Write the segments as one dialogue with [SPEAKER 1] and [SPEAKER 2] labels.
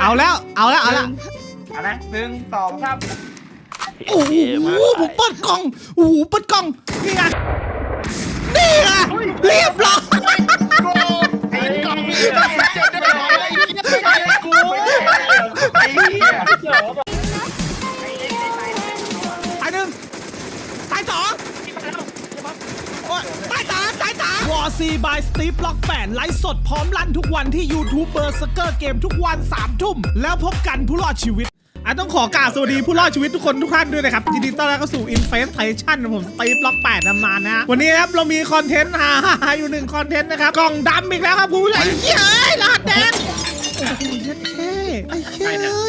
[SPEAKER 1] เอาแล้วเอาละ
[SPEAKER 2] เอานะ1 2 3
[SPEAKER 1] โอ้โหผมเปิดกล่องโอ้โหเปิดกล่องนี่ไงเรียบร้อย
[SPEAKER 2] ไอ้กล่องนี่ได้เจ็บได้ไอ้เหี้ยไม่ได้กูไอ้เหี้ย
[SPEAKER 1] ตายหนึ่งตายสองตายสามวอร์ซีบายสตีฟล็อกแปดไลฟ์สดพร้อมลั่นทุกวันที่ YouTube เบอร์สเกอร์เกมทุกวัน3 ทุ่มแล้วพบกันผู้รอดชีวิตต้องขอกราบสวัสดีผู้รอดชีวิตทุกคนทุกท่านด้วยนะครับยินดีต้อนรับเข้าสู่ Infestation ผมสตีฟล็อก8นานนะวันนี้ครับเรามีคอนเทนต์ฮาอยู่1คอนเทนต์นะครับกล่องดำอีกแล้วครับผู้ใหญ่เฮ้ยรหัสแดงโอ้โหเท่ไอ้เฮ้ย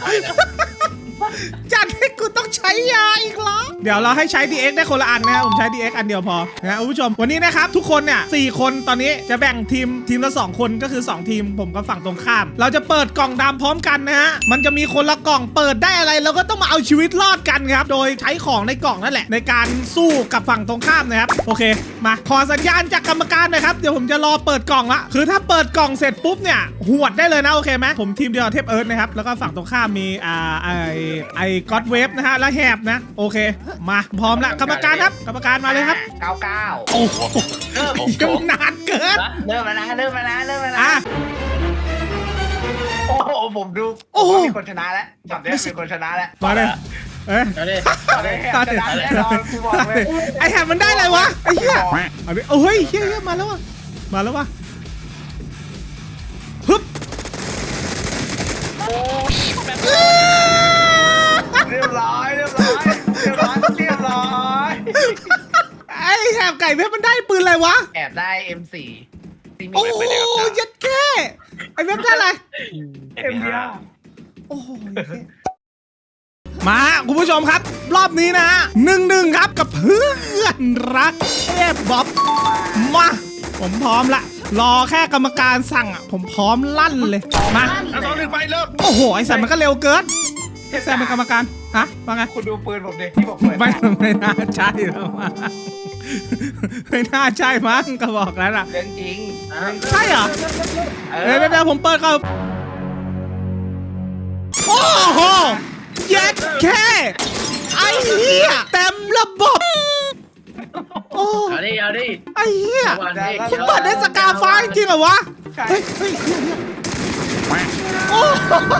[SPEAKER 1] จัดให้กูต้องใช้ยาอีกแล้วเดี๋ยวเราให้ใช้ DX ได้คนละอันนะครับผมใช้ DX อันเดียวพอนะคุณผู้ชมวันนี้นะครับทุกคนเนี่ย4 คนตอนนี้จะแบ่งทีมละ2 คนก็คือ2 ทีมผมกับฝั่งตรงข้ามเราจะเปิดกล่องดำพร้อมกันนะฮะมันจะมีคนละกล่องเปิดได้อะไรเราก็ต้องมาเอาชีวิตรอดกันครับโดยใช้ของในกล่องนั่นแหละในการสู้กับฝั่งตรงข้ามนะครับโอเคมาขอสัญญาณจากกรรมการหนะครับเดี๋ยวผมจะรอเปิดกล่องละคือถ้าเปิดกล่องเสร็จปุ๊บเนี่ยหวดได้เลยนะโอเคไหมผมทีมเดียวกับเทพเอิร์ธนะครับแล้วก็ฝั่งตรงข้ามมีไอ้ก็อดเวฟนะฮะและแหบนะโอเคมาพร้อมละกรรมการครับกรรมการมาเลยครับ
[SPEAKER 2] 99
[SPEAKER 1] โอ้โหยังนานเกิน
[SPEAKER 2] เริ่มแล้วนะโอ้โหผมดูมีคนชนะแล้วจับได้มีคนชนะแล้ว
[SPEAKER 1] มาเลย
[SPEAKER 2] ชนะแน่นอนกูบอกเลย
[SPEAKER 1] ไอแหบมันได้อะไรวะไอ้เหี้ยเอาดิเฮ้ยเหี้ยมาแล้ววะฮึบ
[SPEAKER 2] เรียบร้อย
[SPEAKER 1] ไอ้แหบไก่เพชรมันได้ปืนอะไรวะ
[SPEAKER 2] แอบได้ M4
[SPEAKER 1] โอ้ยยัดแค่ไอ้เว็บได้อะไร
[SPEAKER 2] M5
[SPEAKER 1] โอ้โหมาคุณผู้ชมครับรอบนี้นะ1-1ครับกับเพื่อนรักเทพบ๊อบมาผมพร้อมละรอแค่กรรมการสั่งอ่ะผมพร้อมลั่นเลยมา
[SPEAKER 2] 2-1ไปเริ่ม
[SPEAKER 1] โอ้โหไอ้สัตว์มันก็เร็วเกินไอ้แซมเป็นกรรมการฮะว่าไง
[SPEAKER 2] คุณดูปืนผมดิที่บอกเปิด
[SPEAKER 1] ไม่น่าใช่แล้วไม่น่าใช่มั้งก็บอกแล้วล่ะ
[SPEAKER 2] เรื่องจริง
[SPEAKER 1] ใช่เหรอเดี๋ยวผมเปิดก่อนโอ้โหเย็ดแค่ไอ้เหี้ยเต็มระบบโอ้
[SPEAKER 3] เอาดิ
[SPEAKER 1] ไอ้เหี้ยคุณเปิดได้สกาฟ้าจริงเหรอวะเฮ้ยโอ้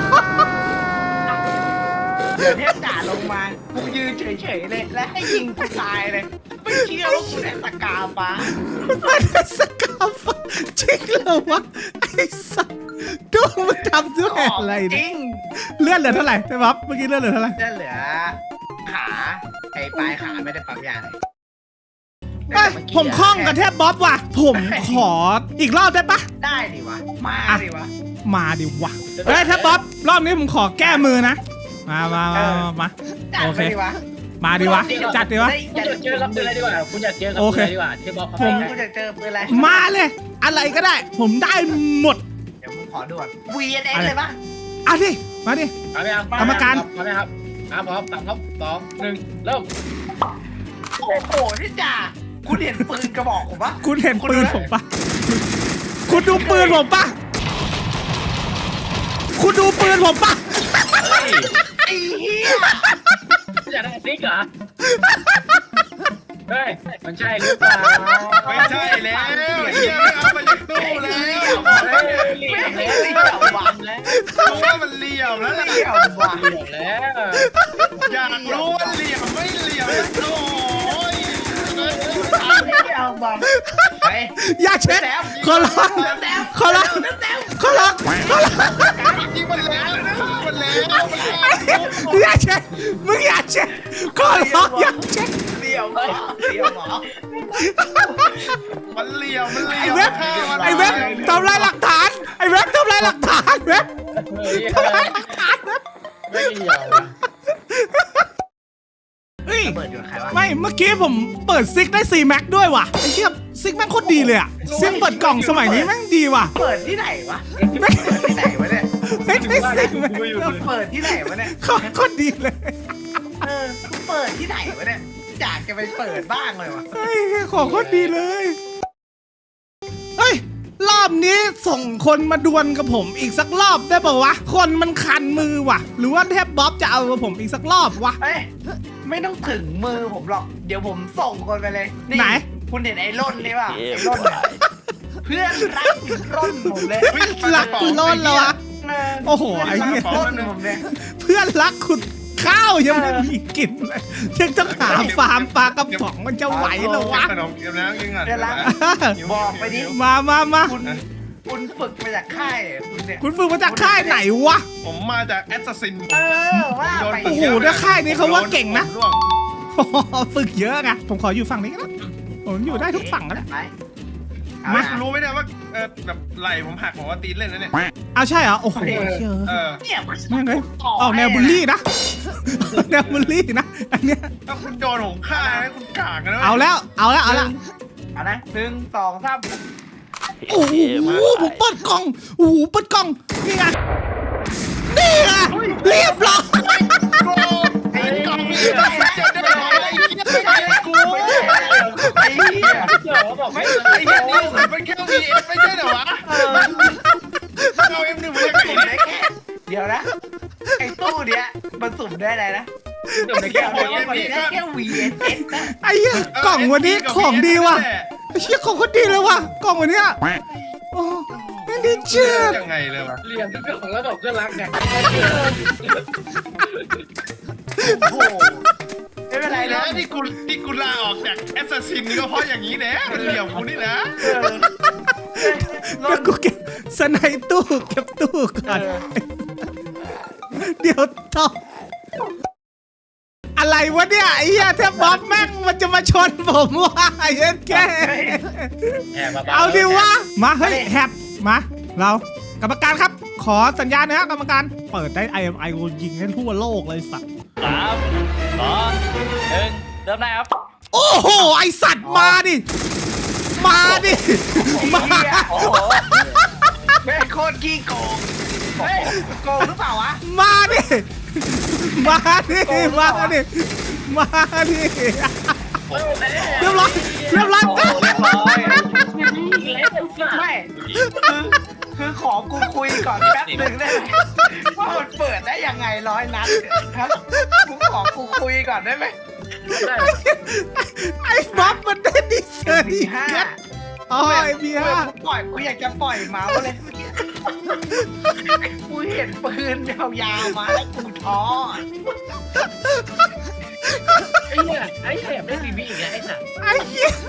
[SPEAKER 2] เดี๋ยวเทพจ่าลงมากูยืนเฉยๆเลยและให้ยิงกูตายเลยไม่เชื่อว่ากูได้สกาฟ้า
[SPEAKER 1] ได้สกาฟ้าจริงเหรอวะไอ้สัสดูมันทำด้วยอะไร
[SPEAKER 2] จริง
[SPEAKER 1] เลื่อนเหลือเท่าไหร่ใช่ปั๊บเมื่อกี้เลื่อนเหลือเท่าไหร่
[SPEAKER 2] เลื่อนเหลือขาไอ้ปลายขาไม่ได้ปั๊มยาเลย
[SPEAKER 1] ผมคล่องกับเทพบ๊อบว่ะผมขออีกรอบได้ปะ
[SPEAKER 2] ได้ดิวะมาดิวะ
[SPEAKER 1] เฮ้ยเทพบ๊อบรอบนี้ผมขอแก้มือนะมาโอเคมาดิวะจัดดิวะ
[SPEAKER 3] คุณอยากเจอกับปืนอะไรดีกว่าคุณอยากเจอกับปืนอะไรดีกว่าที่บอก
[SPEAKER 2] ผมอยากเจอปืนอะไร
[SPEAKER 1] มาเลยอะไรก็ได้ผมได้หมด
[SPEAKER 2] เดี๋ยวผมขอด่วน VNS เลยปะ
[SPEAKER 1] ดิมาดิกรรมการ
[SPEAKER 3] พร้อมไหมครับพร้อม3 2 1เริ่ม
[SPEAKER 2] โอ้โหนี่จ่าคุณเห็นปืนกระบอกผมปะ
[SPEAKER 1] คุณเห็นปืนผมปะคุณดูปืนผมปะคุณดูปืนผมปะ
[SPEAKER 2] ไอ้เหี้ย
[SPEAKER 3] อยากได้ซิกเหรอเฮ้ยมันใช่หรือเปล่า
[SPEAKER 2] ไม่ใช่แล้วเหี้ยเอามาจากตู้แล้ว
[SPEAKER 3] เหลี่ยมแล้ว
[SPEAKER 2] รู้ว่ามันเหลี่ยมแล้วล่ะอยากรู้ว่าเหลี่ยมไม่เหลี่ยมโอ้ย
[SPEAKER 1] อย่าเช็ดขอร้อง
[SPEAKER 2] จริงมันแล้ว
[SPEAKER 1] อย่าเช็ดมึงอย่าเช็ดขอร้องอย่าเช็ด
[SPEAKER 2] เหลี่ยมหมอมันเหลี่ยม
[SPEAKER 1] ไอ้เว็บทำลายหลักฐานไอ้เว็บทำลายหลักฐานเว็บทำลายหลักฐานเว็บ
[SPEAKER 3] ไม่เหลี่ยม
[SPEAKER 1] ไม่เมื่อกี้ผมเปิดซิกได้4 แม็กด้วยว่ะไอ้เหี้ยซิกแม่งโคตรดีเลยอ่ะซิกเปิดกล่องสมัยนี้แม่งดีว่ะ
[SPEAKER 2] เปิดที่ไหนวะที่ไหนวะเนี่ย
[SPEAKER 1] ไม่ได้ซิก
[SPEAKER 2] เปิดที่ไหนวะเนี่ย
[SPEAKER 1] โคตรดีเลย
[SPEAKER 2] เปิดที่ไหนวะเนี่ยอยากจะไปเปิดบ้างเลยวะ
[SPEAKER 1] ของโคตรดีเลยเฮ้ยรอบอบนี้ส่งคนมาดวลกับผมอีกสักรอบได้ป่าวะคนมันคันมือว่ะ หรือว่าเทพบ๊อบจะเอากับผมอีกสักรอบวะ
[SPEAKER 2] เอ้ยไม่ต้องถึงมือผมหรอกเดี๋ยวผมส่งคนไปเลย
[SPEAKER 1] ไหน
[SPEAKER 2] คุณเห็นไอ้ร่นนี่ป่ะไอ้ร่นเนี่ยเพื่อนรักร่นผมเลย
[SPEAKER 1] รักคุณโลนแล้ววะ โอ้โหไอ้เหี้ย
[SPEAKER 2] ร่นผมเนี่ย
[SPEAKER 1] เพื่อนรักคุณข้าวยังไม่มีกินเลยยังต้องหาฟาร์มปลากระป๋องมันจะไหวเหรอวะ
[SPEAKER 4] ขนมเกี๊ยวน้ำกินก่อน
[SPEAKER 2] เพื่อนรักบอกไปดิ
[SPEAKER 1] มา
[SPEAKER 2] คุณฝึกมาจากค่ายคุณเนี่ย
[SPEAKER 1] คุณฝึกมาจากค่ายไหนวะ
[SPEAKER 4] ผมมาจากแอสซัสซิน
[SPEAKER 2] ว่าไป
[SPEAKER 1] โอ้โหแล้วค่ายนี้เขาว่าเก่งนะ ฝึกเยอะไงผมขออยู่ฝั่งนี้ก็ได้ผมอยู่ได้ทุกฝั่งนะ
[SPEAKER 2] ไป
[SPEAKER 1] มา
[SPEAKER 4] รู้ไหมเนี่ยว่าแบบไหลผมหักผมว่าตีนเล่นนะเนี่ย
[SPEAKER 1] เอาใช่เหรอโอ้โหเชื่อ
[SPEAKER 2] เนี่ย
[SPEAKER 1] แม่งเลยออกแนวบูลลี่นะแนวบูลลี่นะอันเนี้ย
[SPEAKER 4] ถ้าคุณโดนผมฆ่านะคุณกากกันนะ
[SPEAKER 1] เอาแล้วเอาละ
[SPEAKER 2] เอานะ1 2 3
[SPEAKER 1] โอ้โหผมเปิดกล่องโอ้โหเปิดกล่องนี่ไงนี่ไงเรียบร้อย
[SPEAKER 2] ไอ้กล่อง
[SPEAKER 4] จะได้อะไรไม่ได้กู
[SPEAKER 2] ไอ้เหี้ย
[SPEAKER 3] เดี๋ยวบอกไม่
[SPEAKER 4] ไอ้เหี้ยนี่มันแค่ VS ไม่ใช่เหรอวะเอา M1 มาจากไหน
[SPEAKER 2] สุ่มได้แค่เดี๋ยวนะไอ้ตู้เนี้ยมันสุ่มได้อะไรนะ
[SPEAKER 3] เดี๋ยวไม่แก้
[SPEAKER 2] เดี๋ยว
[SPEAKER 3] ว
[SPEAKER 2] มันได้แค่ VSS นะ
[SPEAKER 1] ไอ้เหี้ยกล่องวันนี้ของดีว่ะไอ้เหี้ยของคนดีเลยว่ะกล่องวันเนี้ยโอ้ไม่ได้เชื่อ
[SPEAKER 4] ยังไงเลยวะ
[SPEAKER 3] เรียนทุกอย่างแล้วบอกเพื่อนรักไง
[SPEAKER 2] โอ้โหไม่เป็นไร
[SPEAKER 4] ไอ้
[SPEAKER 2] นะ
[SPEAKER 4] นะที่กูลาออกจากแอสซัสซินนี่ก็เพราะอย่างนี้แหละมันเหลี่ยมกูนี่นะ
[SPEAKER 1] แล้วกูเก็บสไนตู้เก็บตู้ก่อนเดี๋ยวต่ออะไรวะเนี่ยไอ้เหี้ยแทบบ๊อบแม่งมันจะมาชนผมว่ะไอ้เอ็นแก
[SPEAKER 3] แอบมา
[SPEAKER 1] เอาดิวะมาเฮ้ยแฮปมาเรากรรมการครับขอสัญญาณนะฮะกรรมการเปิดได้ IMI กูยิงให้ทั่วโลกเลยสัตว์
[SPEAKER 3] 3 2 1 เริ่มได้ครับ
[SPEAKER 1] โอ้โหไอสัตว์มาดิมามา
[SPEAKER 2] โอ้โหแม่งโคตรขี้โกงเฮ้ยโกงหรือเปล่าวะ
[SPEAKER 1] มาดิมาดิมาดิมาดิเรียบร้อย
[SPEAKER 2] ไม่
[SPEAKER 3] ไม่
[SPEAKER 2] คือขอกูคุยก่อนแป๊บหนึ่งได้ไหมว่ามันเปิดได้ยังไง100 นัดครับกูขอกูคุยก่อนได้ไหม
[SPEAKER 1] ไอ้บ๊อบมันได้ดิเซอร์ดี
[SPEAKER 2] ห้า
[SPEAKER 1] อ๋อไอ้พี่ฮะ
[SPEAKER 2] กูอยากจะปล่อยเมาส์เลยเมื่อกี้กูเห็นปืนยาวๆมาแล้วกูท้อ
[SPEAKER 3] ไอ้เนี่ยไอ้แอบได้บีบีอีกแล้วไอ้สัส
[SPEAKER 1] ไอ้เหี้ย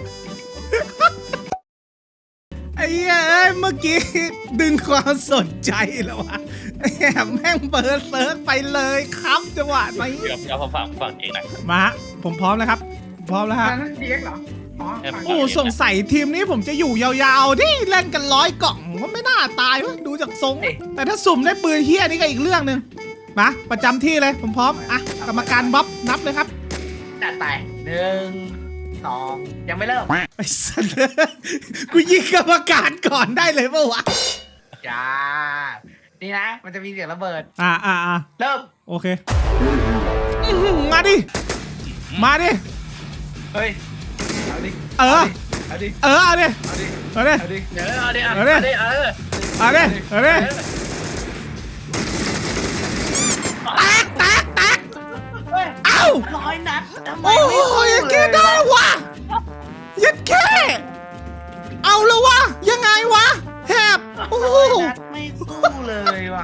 [SPEAKER 1] ไอ้เหี้ยเอ้ยเมื่อกี้ดึงความสนใจแล้ววะแอบแม่งเปิดเซิร์ฟไปเลยครับจังหวะนี้
[SPEAKER 3] เดี๋ยวผมฟังเองหน่อย
[SPEAKER 1] มาฮะผมพร้อมแล้วครับพร้อมแล้วฮะ
[SPEAKER 2] เดียกเหรออ๋อ
[SPEAKER 1] โอ้สงสัยทีมนี้ผมจะอยู่ยาวๆที่เล่นกัน100 กล่องก็ไม่น่าตายวะดูจากทรง แต่ถ้าสุ่มได้ปืนเฮี้ยนี่ก็อีกเรื่องหนึ่งมาประจำที่เลยผมพร้อมอ่ะกรรมการบ๊อบนับเลยครับ
[SPEAKER 2] จัดไป1 2ยังไม่เริ่ม
[SPEAKER 1] ไอ้สัสกูยิงกรรมการก่อนได้เลยปะวะ
[SPEAKER 2] จ้านี่นะมันจะมีเสียงระเบิด
[SPEAKER 1] อ่า
[SPEAKER 2] เริ่ม
[SPEAKER 1] โอเคอื้อหือมาดิมาดิ
[SPEAKER 2] เฮ้ยเอาดิ
[SPEAKER 1] เออ
[SPEAKER 2] เอาดิ
[SPEAKER 1] เอาดิ
[SPEAKER 2] เอาดิ
[SPEAKER 1] เอาดิ
[SPEAKER 2] เอาดิ
[SPEAKER 3] เดี๋ยวเอาดิ
[SPEAKER 1] เอาดิ เอาดิเอาดิแตก
[SPEAKER 2] เฮ้ย
[SPEAKER 1] เอ้า
[SPEAKER 2] 100 นัดทำไม
[SPEAKER 1] โอ้
[SPEAKER 2] ไม่
[SPEAKER 1] โห
[SPEAKER 2] สู้
[SPEAKER 1] ยัง
[SPEAKER 2] เล
[SPEAKER 1] กิ
[SPEAKER 2] ย
[SPEAKER 1] นได้วะยัดแค่เอาแล้ววะยังไงวะแหบโอ้โห
[SPEAKER 2] 100 นัดไม่สู้เลยว่ะ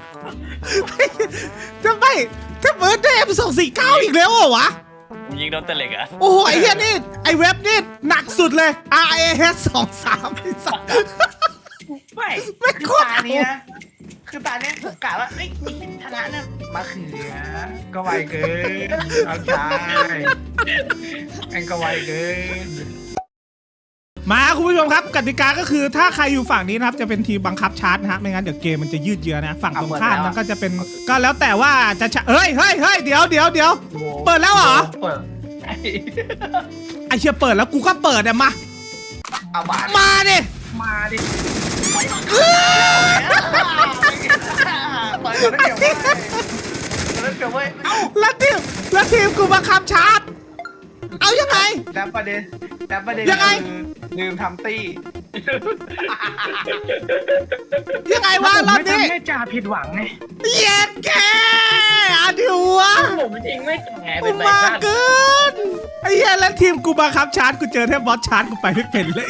[SPEAKER 1] ทำไมถ้าเบิร์ดเดย์249อีกแล้วเหรอวะ
[SPEAKER 3] ยิงโดนตะเล็กอ่ะ
[SPEAKER 1] โอ้โหไอ้เหี้ยนี่ไอ้เว็บนี่หนักสุดเลย RAS 23ไอ้สัส
[SPEAKER 2] ไม่
[SPEAKER 1] ไม่
[SPEAKER 2] คือ
[SPEAKER 1] โคตร
[SPEAKER 2] ตานี้นะคือตาเนี้ยผมกะว่าไอ้ยชนะเนี่ยมาเขือก็ไวเกินเอาใจแองก็ไวเกิน
[SPEAKER 1] มาคุณผู้ชมครับกติกาก็คือถ้าใครอยู่ฝั่งนี้นะครับจะเป็นทีมบังคับชาร์จนะฮะไม่งั้นเดี๋ยวเกมมันจะยืดเยื้อนะฝั่งตรงข้ามมันก็จะเป็นก็แล้วแต่ว่าจะเฮ้ยเดี๋ยวเปิดแล้วเหรอ
[SPEAKER 2] เปิด
[SPEAKER 1] ไอเชียเปิดแล้วกูก็เปิดอะมา
[SPEAKER 2] เอาบาท
[SPEAKER 1] มาดิ
[SPEAKER 2] มาดิเปิดก่อนได้เดี๋ยวเว้ยเดี๋ยวเว้ยเอ้า
[SPEAKER 1] แล้วทีมกูบังคับชาร์จเอายังไง
[SPEAKER 2] แล้วประเด็น
[SPEAKER 1] ยังไง
[SPEAKER 2] คือลืมทำตี้
[SPEAKER 1] ยังไงวะรอบนี้
[SPEAKER 2] ไม่ทำให้จ่าผิดหวังไง
[SPEAKER 1] เย็ดแกอาดิวะ
[SPEAKER 3] ผมจริงไม่แก่
[SPEAKER 1] กู
[SPEAKER 3] เป็นไร
[SPEAKER 1] มา
[SPEAKER 3] บ้าง
[SPEAKER 1] เกินไอ้เหี้ยแล้วทีมกูบังคับชาร์จกูเจอแทบบอสชาร์จกูไปไม่เป็นเลย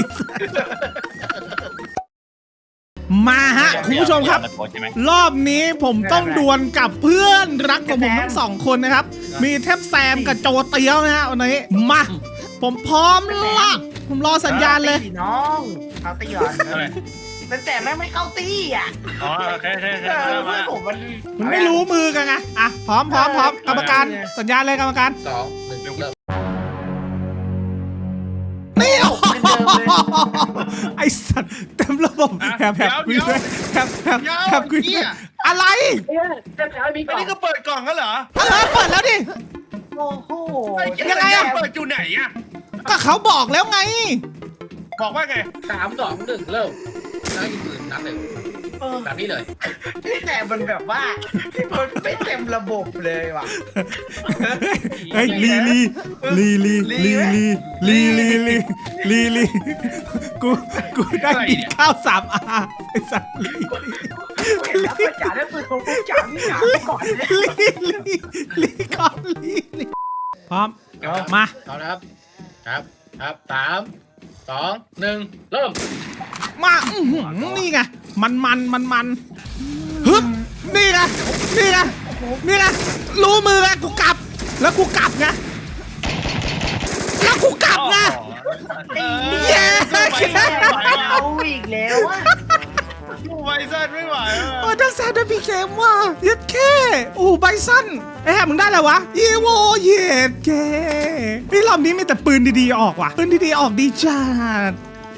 [SPEAKER 1] มาฮะคุณผู้ชมครับ รอบนี้ผมต้องดวลกับเพื่อนรักของผมทั้งสองคนนะครับ มีเทพแซมกับโจเตียวนะฮะวันนี้มาผมพร้อมละผมรอสัญญาณเลย
[SPEAKER 2] ตีน้องเขาตีก่อนแต่แม่งไม่เข้าตีอ่ะ
[SPEAKER 3] อ๋อโอเคโอเคโอเค
[SPEAKER 2] เพื่อนผมมัน
[SPEAKER 1] มันไม่รู้มือกันไงอ่ะพร้อมกรรมการสัญญาณเลยกรรมการ
[SPEAKER 4] 2 1 เริ่ม
[SPEAKER 1] นี่
[SPEAKER 2] เป็นเดิมเลย
[SPEAKER 1] ไอสัตว์เต็มระบบแฮบคุยด้วยแฮบคุยด้วยอะไร
[SPEAKER 4] อันนี้ก็เปิดกล่องกันเหรอ
[SPEAKER 1] เปิดแล้วดิ
[SPEAKER 2] โอ้โห
[SPEAKER 1] ยังไงอะ
[SPEAKER 4] เปิดอยู่ไหนอะ
[SPEAKER 1] ก็เขาบอกแล้วไง
[SPEAKER 4] บอกว่าไง
[SPEAKER 5] 3 2 1 เริ่มแล้วยิงปืนนัดเลยแบบนี้เลย
[SPEAKER 2] แต่มันแบบว่ามันไม่เต็มระบบเลยว่ะ
[SPEAKER 1] เฮ้ยลีกูได้กินข้าว3 อาไอสัตว์ลี
[SPEAKER 2] เห็นแล้วจ่าได้ปืนของกูจ่าที่หนาก่อนเลย
[SPEAKER 1] ลีก่อนลีพร้อมมา
[SPEAKER 5] เอานะครับครับ3 2 1 เริ่ม
[SPEAKER 1] มานี่ไงมันฮึบนี่ไงรู้มือไงกูกลับแล้วกูกลับไงเย้
[SPEAKER 2] เอาอีกแล้วอ่ะ
[SPEAKER 4] ดูไวเซนไม่ไหว
[SPEAKER 1] โอ้ดันแซนได้พีเกมว่ะเย็ดแค่โอ้ไบซันไอ้แฮมมึงได้แล้ววะอีโวเย็ดแค่นี่รอบนี้มีแต่ปืนดีๆออกว่ะปืนดีๆออกดีจัด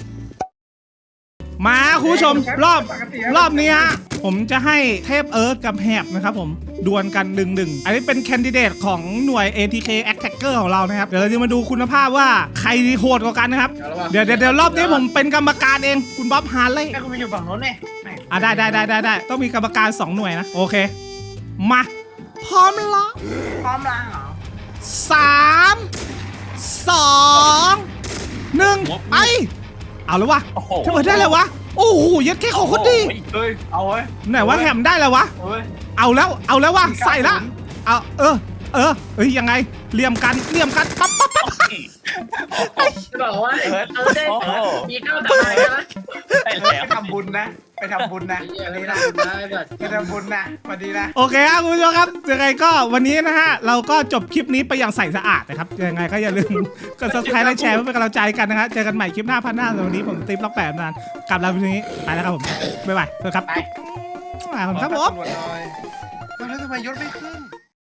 [SPEAKER 1] มาคุณผู้ชมรอบนี้ฮะผมจะให้เทพเอิร์ธกับแฮบนะครับผมดวลกัน1-1อันนี้เป็นแคนดิเดตของหน่วย ATK Attacker ของเรานะครับเดี๋ยวเราจะมาดูคุณภาพว่าใครโหดกว่ากันนะครับเดี๋ยวรอบนี้ผมเป็นกรรมการเองคุณบ๊อบฮาร์เลย์
[SPEAKER 2] แม่คุณไปอยู่ฝั่งโน้นเนี่ย
[SPEAKER 1] ได้ต้องมีกรรมการ2 หน่วยนะโอเคมาพร้อมแล้ว
[SPEAKER 2] พร้อมล้างเหรอ
[SPEAKER 1] 3 2 1ไปเอาแล้ววะเทพเอิร์ธได้แล้ววะโอ้โหยัดแค่ของคนดี
[SPEAKER 2] เฮ้ยเอาเว้ย
[SPEAKER 1] ไหนว่าแฮมได้แล้ววะ
[SPEAKER 2] เฮ้ย
[SPEAKER 1] เอาแล้ววะใส่ละเอาเอ้ยยังไงเหลี่ยมกันปั๊บ
[SPEAKER 5] จะบอกว่าได้มีข้าวตายนะ
[SPEAKER 3] ได้
[SPEAKER 2] ไป
[SPEAKER 3] แล้ว
[SPEAKER 2] ทำบุญนะไปทำบุญนะ
[SPEAKER 5] อั
[SPEAKER 2] วัน น
[SPEAKER 5] นี้
[SPEAKER 2] นี้
[SPEAKER 5] นะ
[SPEAKER 2] นะ
[SPEAKER 5] ได้แบบ
[SPEAKER 2] ไปทำบุญนะวันนี้นะ
[SPEAKER 1] โอเคครับคุณผู้ชมครับยังไงก็วันนี้นะฮะเราก็จบคลิปนี้ไปอย่างใสสะอาดนะครับยังไงก็อย่าลืมกด subscribe และแชร์เพื่อเป็นกำลังใจกันนะฮะเจอกันใหม่คลิปหน้าพันหน้าสำหรับวันนี้ผมติ๊บล็อก8นานกลับลาไปทีนี้ไปแล้วครับผมบ๊ายบายสวัสดีครับ
[SPEAKER 2] ไป
[SPEAKER 1] ครับผม
[SPEAKER 4] ตำรวจหน่อยแล้วทำไมยศไม่ขึ้น